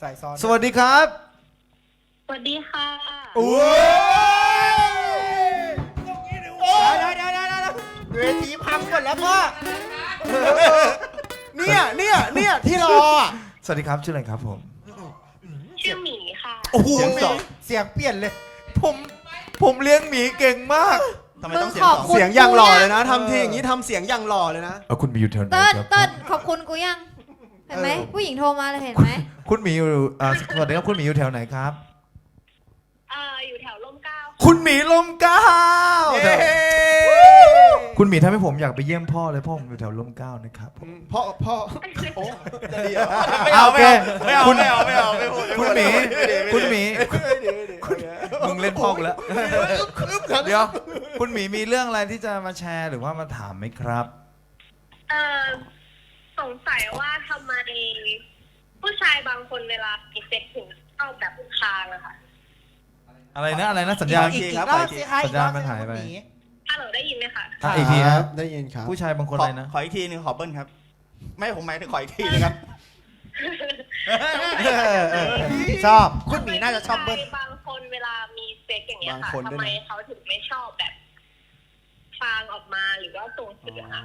ใส่ซ้อนสวัสดีครับสวัสดีค่ะโอ้เวทีพังหมดแล้วพ่อเนี่ยที่รอสวัสดีครับชื่ออะไรครับผมชื่อหมีค่ะโอ้โหเสียงเปลี่ยนเลยผมเลี้ยงหมีเก่งมากทำไมต้องเสียงสองเสียงอย่างหล่อเลยนะทำทีอย่างนี้ทำเสียงอย่างหล่อเลยนะคุณหมีอยู่แถวไหนเติ้ลครับเติ้ลขอบคุณกูยัง เห็นไหมผู้หญิงโทรมาเลยเห็นไหมคุณหมีอยู่สวัสดีครับคุณหมีอยู่แถวไหนครับอยู่แถวร่มเกล้าคุณหมีลมเกล้าเย้คุณหมีทำให้ผมอยากไปเยี่ยมพ่อเลยพ่อผมอยู่แถวลมเกล้านะครับพ่อโอ้จะดีเหรอโอเคไม่เอาคุณไม่เอาไม่เอาไม่พูดคุณหมีคุณหมีมึงเล่นพ่อกูแล้วเดี๋ยวคุณหมีมีเรื่องอะไรที่จะมาแชร์หรือว่ามาถามไหมครับสงสัยว่าทำไมผู้ชายบางคนเวลามีเซ็กถึงเข้าแบบคางอะค่ะอะไรนะสัญญาณอีกรอบสิคะสัญญาณมันหายไปฮัลโหลได้ยินไหมคะอีกทีครับได้ยินครับผู้ชายบางคนอะไรนะขออีกทีหนึงขอเบิ้ลครับ ไม่ผมหมายถึงขออีกทีนึงครับชอบคุณหมีน่าจะชอบเบิ้ลผู้ชายบางคนเวลามีเซ็กอย่างเงี้ยบางค่ะคนด้วยนะทำไมเขาถึงไม่ชอบแบบคางออกมาหรือว่าส่งเสียงอะ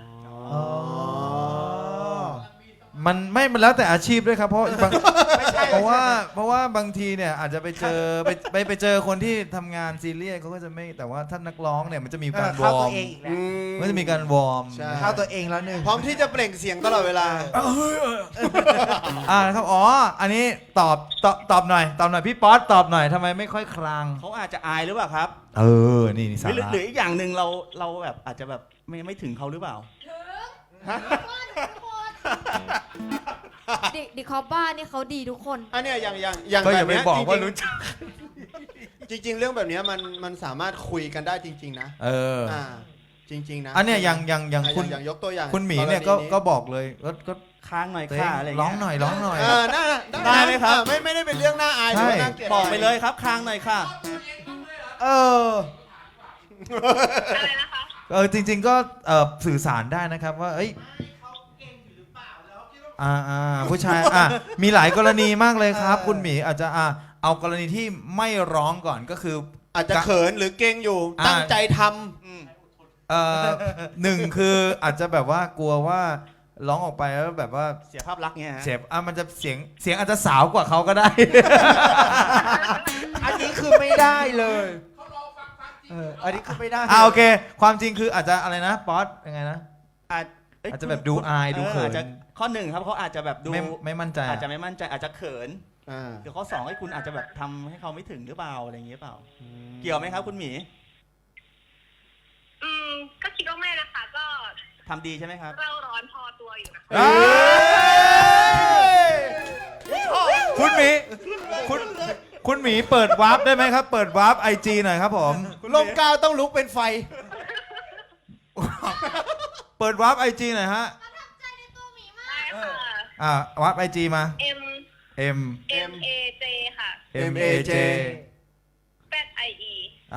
มันแล้วแต่อาชีพด้วยครับเพราะเพราะว่าบางทีเนี่ยอาจจะไปเจอไปเจอคนที่ทำงานซีเรียสเขาก็จะไม่แต่ว่าถ้านักร้องเนี่ยมันจะมีการวเข้าอตัร์วมเองอีกแล้วมันจะมีการวอร์มใช่เข้าตัวเองแล้วหนึ่งพร้อมที่จะเปล่งเสียงตลอดเวลานะครับอ๋ออันนี้ตอบหน่อยพี่ป๊อตตอบหน่อยทำไมไม่ค่อยคลางเขาอาจจะอายหรือเปล่าครับนี่สาหรือระหรืออีกอย่างหนึ่งเราแบบอาจจะแบบไม่ถึงเขาหรือเปล่าดิคอปบ้านนี่เขาดีทุกคนอันเนี้ยอย่างก็แบอย่าบไปเนี้ยบอกจว่าริงรู้จักๆจริง ๆ เรื่องแบบเนี้ยมันสามารถคุยกันได้จริง ๆ นะ อ่าจริง ๆ นะอันเนี้ยอย่างอ่ะคุณอย่างยกตัวอย่างคุณหมีเนี่ยกรณีก็บอกเลยก็ค้างหน่อยเต้ค่ะอะไรร้องเงี้ยหน่อยร้องหน่อยน่าได้ไหมครับไม่ได้เป็นเรื่องน่าอายหรือว่าน่าเกลียดบอกไปเลยครับค้างหน่อยค่ะเอออะไรนะคะจริง ๆ ก็สื่อสารได้นะครับว่าเอ้ยผู้ชายมีหลายกรณีมากเลยครับ คุณหมีอาจจะเอากรณีที่ไม่ร้องก่อนก็คืออาจจะเขินหรือเก่งอยู่ตั้งใจทำหนึ่งคืออาจจะแบบว่ากลัวว่าร้องออกไปแล้วแบบว่าเสียภาพลักษณ์เงี้ยฮะเสียงมันจะเสียงอาจจะสาวกว่าเขาก็ได้อันนี้คือไม่ได้เลยอันนี้คือไม่ได้โอเค ความจริงคืออาจจะอะไรนะป๊อตยังไงนะ อาจจะแบบดูอายดูเขินอาจจะข้อหนึ่งครับเขาอาจจะแบบดูไม่มั่นใจอาจจะไม่มั่นใจอาจจะเขินอ่าเดี๋ยวข้อสองให้คุณอาจจะแบบทำให้เขาไม่ถึงหรือเปล่าอะไรอย่างเงี้ยเปล่า เกี่ยวไหมครับคุณหมีก็คิดว่าไม่นะคะ ก็ทำดีใช่ไหมครับเราร้อนพอตัวอยู่นะคุณหมีคุณหมีเปิดวาร์ปได้ไหมครับ เปิดวาร์ปIG หน่อยครับผมลมกาวต้องลุกเป็นไฟเปิดวาร์ปIG หน่อยฮะได้ค่ะวาร์ปIG มา M M M A J ค่ะ MAJ Z I E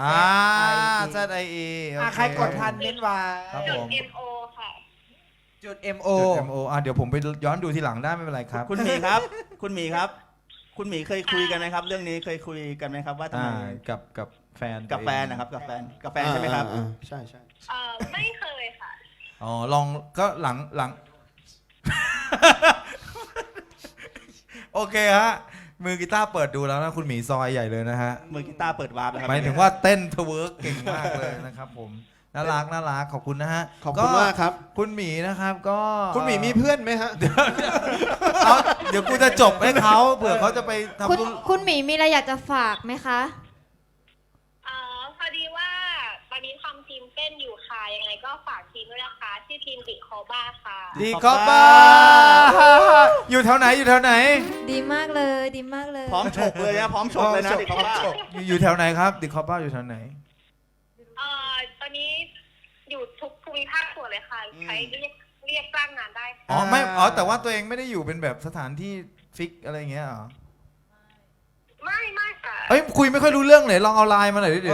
ZIE โอเคใครกดทันเม้นว่าครับจุผดม M O ค่ะจุด MO จุด MO เดี๋ยวผมไปย้อนดูทีหลังได้ไม่เป็นไรครับคุณหมีครับ คุณหมีครับ คุณหมีเคยคุยกันไหมครับ เรื่องนี้เคยคุยกันไหมครับว่าทำไมกับแฟนกับแฟนนะครับกับแฟนใช่ไหมครับใช่ไม่เคยค่ะลองก็หลัง โอเคฮะมือกีตาร์เปิดดูแล้วนะคุณหมีซอยใหญ่เลยนะฮะมือกีตาร์เปิดวาร์ปนะครับหมายถึงว่าเต้นทเวิร์กเก่งมากเลยนะครับผมน่ารักขอบคุณนะฮะขอบคุณมากครับคุณหมีนะครับก็คุณหมีมีเพื่อนไหมฮะเดี๋ยวกูจะจบให้เขาเผื่อเขาจะไปทำคุณหมีมีอะไรอยากจะฝากไหมคะพอดีว่าตอนนี้ทำทีมเต้นอยู่ค่ะ ยังไงก็ฝากทีมด้วยนะคะชื่อทีมดิคอบ้าค่ะดีคอปบ้าอยู่แถวไหนดีมากเลยดีมากเลยพร้อมฉกเลยนะพร้อมฉกเลยนะเด็กเขาว่าอยู่แถวไหนครับดีคอปบ้าอยู่แถวไหนตอนนี้อยู่ทุกภูมิภาคส่วนเลยค่ะ ใช้เรียกจ้างงานได้ค่ะแต่ว่าตัวเองไม่ได้อยู่เป็นแบบสถานที่ฟิกอะไรเงี้ยเหรอไม่ค่ะเอ้ยคุยไม่ค่อยรู้เรื่องเลยลองเอาไลน์มาหน่อยดิเดี๋ยว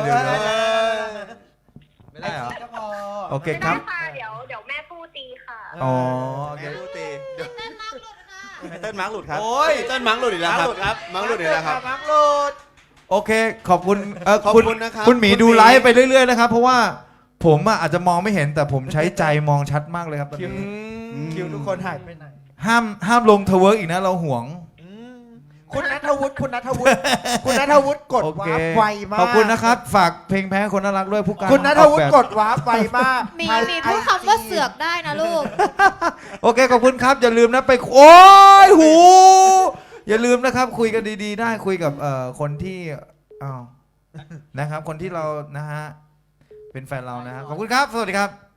ไม่ได้เหรอก็พอโอเคไม่ครัได้บค่ะเดี๋ยวแม่พูดตีค่ะอ๋อแม่ดูตีไตเติ้ลมาร์กหลุดครับโอ้ยเต้นมังหลุดอีกแล้วครับมังหลุดครับมังหลุดอีกแล้วครับมังหลุดโอเค ขอบคุณขอบคุณคุณนะครับคุณหมีคุณหมีดูไลฟ์ไปเรื่อยๆนะครับ เพราะว่าผมอะอาจจะมองไม่เห็นแต่ผมใช้ใจมองชัดมากเลยครับตอนคิวนี้คิวทุกคนหายไปไหนห้ามลงทเวิร์กอีกนะเราห่วงคุณนัทวุฒิคุณนัทวุฒิคุณนัทวุฒิกดโอเควาร์ปไวมากขอบคุณนะครับ ฝากเพลงแพ้คนน่ารักด้วยผู้การคุณนัทวุฒิออกกแบบดวาร์ปไวมากมีพูดคำว่าเสือกได้นะลูกโอเคขอบคุณครับ อย่าลืมนะไปโอ้ยหู อย่าลืมนะครับ คุยกันดีๆ ได้คุยกับคนที่อ้าวนะครับ คนที่เรานะฮะเป็นแฟนเรานะฮะขอบคุณครับ สวัสดีครับ